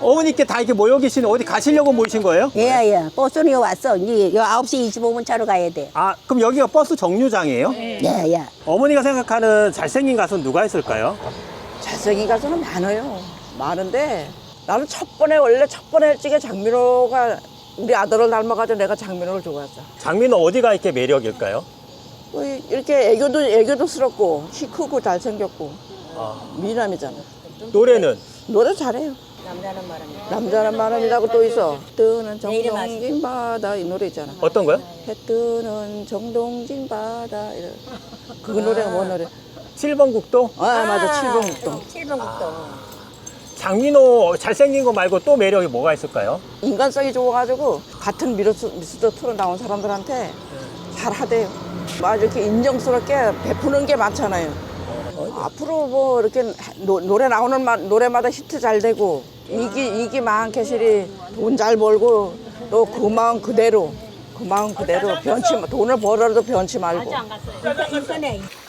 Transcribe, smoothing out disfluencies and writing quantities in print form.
어머니께 다 이렇게 모여 계시는 어디 가시려고 모이신 거예요? 예. 버스는 여 왔어. 이제 여 9시 25분 차로 가야 돼. 아, 그럼 여기가 버스 정류장이에요? 예. 어머니가 생각하는 잘생긴 가수는 누가 있을까요? 잘생긴 가수는 많아요. 많은데 나는 원래 첫 번에 일찍에 장민호가 우리 아들을 닮아가지고 내가 장민호를 좋아했어. 장민호 어디가 이렇게 매력일까요? 뭐 이렇게 애교도스럽고 키 크고 잘생겼고 미남이잖아. 노래는? 노래 잘해요. 남자는 말합니다. 남자는 마음이라고 또 있어. 뜨는 정동진 바다 이 노래 있잖아. 어떤 거요? 해 뜨는 정동진 바다 그 노래가 뭔 노래? 7번 국도? 맞아 7번 국동. 7번 국도. 장민호 잘생긴 거 말고 또 매력이 뭐가 있을까요? 인간성이 좋아가지고 같은 미스터 트롯 나온 사람들한테 잘하대요. 막 이렇게 인정스럽게 베푸는 게 많잖아요. 앞으로 뭐 이렇게 노래 나오는 노래마다 히트 잘 되고 이기 마흔캐슬이 돈 잘 벌고 또 그 마음 그대로 변치 돈을 벌어도 변치 말고. 인터넷.